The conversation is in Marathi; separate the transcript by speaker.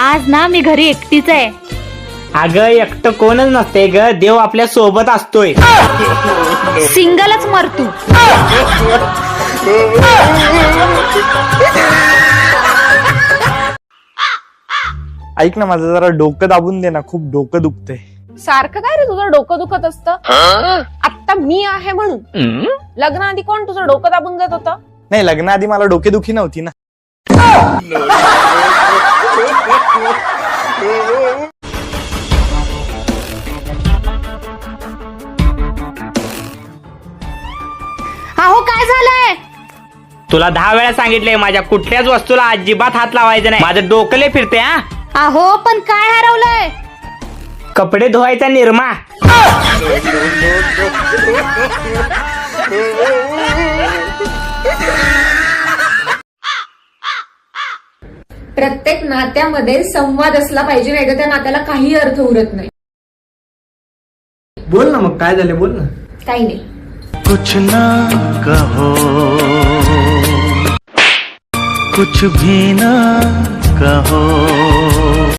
Speaker 1: आज ना मी घरी एकटीच आहे.
Speaker 2: अगं एकटं कोणच नसते ग, देव आपल्या सोबत असतोय.
Speaker 1: सिंगलच मरतू.
Speaker 3: ऐक ना, माझं जरा डोकं दाबून दे ना, खूप डोकं दुखतंय.
Speaker 4: सारखं काय रे तुझं डोकं दुखत असतं? आता मी आहे म्हणून. लग्नाआधी कोण तुझं डोकं दाबून देत होतं?
Speaker 3: नाही, लग्नाआधी मला डोकेदुखी नव्हती ना.
Speaker 1: अहो काय झालंय?
Speaker 2: तुला 10 वेळा सांगितलंय माझ्या कुठल्याच वस्तूला अजिबात हात लावायचं नाही. माझं डोकं फिरते. हा,
Speaker 1: अहो पण काय हरवलंय?
Speaker 2: कपडे धुवायचा निरमा.
Speaker 5: प्रत्येक नात्यामध्ये संवाद असला पाहिजे, नाही तर त्या नात्याला काही अर्थ उरत नाही.
Speaker 6: बोल ना, मग काय झालं, बोल ना.
Speaker 5: काही नाही.
Speaker 7: कुछ ना कहो, कुछ भी ना कहो.